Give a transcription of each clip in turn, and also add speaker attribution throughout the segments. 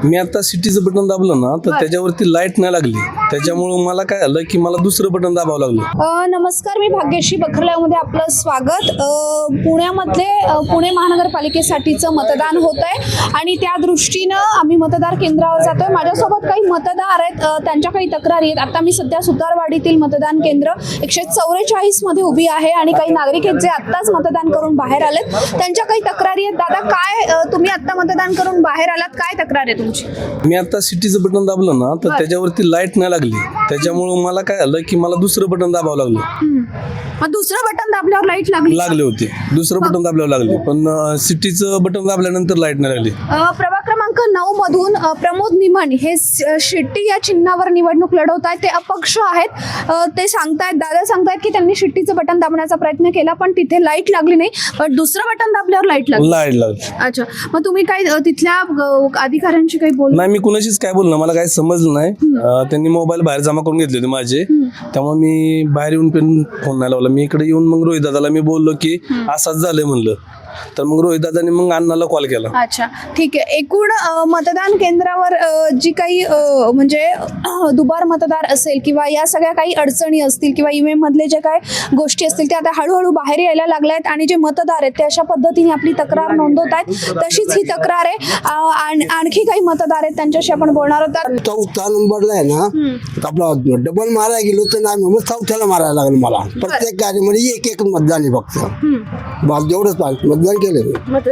Speaker 1: मी आता सिटीचं बटन दाबलं ना तर त्याच्यावरती लाईट नाही लागली, त्याच्यामुळे मला काय झालं की मला दुसरं बटन दाबावं लागलं.
Speaker 2: नमस्कार, मी भाग्यश्री बखरलामध्ये आपलं स्वागत. पुण्यामध्ये पुणे महानगरपालिकेसाठीचं मतदान होत आहे आणि त्या दृष्टीनं आम्ही मतदार केंद्रावर जातोय. माझ्यासोबत काही मतदार आहेत, त्यांच्या काही तक्रारी आहेत. आता मी सध्या सुतारवाडीतील मतदान केंद्र 144 मध्ये उभी आहे आणि काही नागरिक आहेत जे आत्ताच मतदान करून बाहेर आलेत. त्यांच्या काही तक्रारी आहेत. दादा, काय तुम्ही आत्ता मतदान करून बाहेर आलात, काय तक्रार आहे तुमची?
Speaker 1: मी आता सिटीचं बटन दाबलं ना तर त्याच्यावरती लाईट नाही लागली, त्याच्यामुळे मला काय झालं की मला दुसरं बटन दाबावं लागलं.
Speaker 2: मग दुसरं बटन दाबल्यावर लाईट
Speaker 1: लागले होते, दुसरं बटन दाबल्यावर लागले, पण सिटीचं बटन दाबल्यानंतर लाईट नाही लागली.
Speaker 2: प्रभाग क्रमांक 9 मधून प्रमोद निमन हे शिट्टी या चिन्हावर निवडणूक लढवत आहेत. ते अपक्ष आहेत. ते सांगतायत, दादा सांगतायत की त्यांनी शिट्टीचं बटन दाबण्याचा प्रयत्न केला पण तिथे लाईट लागली नाही, पण दुसरं बटन दाबल्यावर लाईट लागली. अच्छा, मग तुम्ही काय तिथल्या अधिकाऱ्यांशी काही बोल?
Speaker 1: नाही, मी कुणाशीच काय बोलणं, मला काही समजलं नाही. त्यांनी मोबाईल बाहेर जमा करून घेतले होते माझे, त्यामुळे मी बाहेर येऊन पण फोन नाही लावला. मी इकडे येऊन मग रोहित दादाला मी बोललो की असंच झालंय म्हणलं, तर मग रोहित दादाने मग अण्णाला कॉल केला.
Speaker 2: अच्छा, ठीक आहे. एकूण मतदान केंद्रावर जी काही म्हणजे दुबार मतदार असेल किंवा या सगळ्या काही अडचणी असतील किंवा ईव्हीएम मधले जे काय गोष्टी असतील त्या आता हळूहळू बाहेर यायला लागल्या आहेत आणि जे मतदार आहेत ते अशा पद्धतीने आपली तक्रार नोंदवत आहेत. तशीच ही तक्रार आहे. आणखी काही मतदार आहेत, त्यांच्याशी आपण बोलणार आहोत.
Speaker 3: चौथा नंबरला आहे ना, आपला डबल मारायला गेलो तर नाही, मग चौथ्याला मारायला लागलं मला. प्रत्येक गाडीमध्ये एक मतदान आहे फक्त, बस जेवढंच पाहिजे मतदान केलं.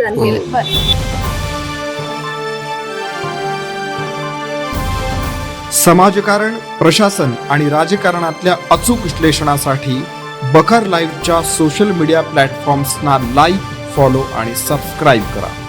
Speaker 4: समाजकारण, प्रशासन आणि राजकारणातल्या अचूक विश्लेषणासाठी बखर लाईव्हच्या सोशल मीडिया प्लॅटफॉर्म्सना लाईक, फॉलो आणि सबस्क्राईब करा.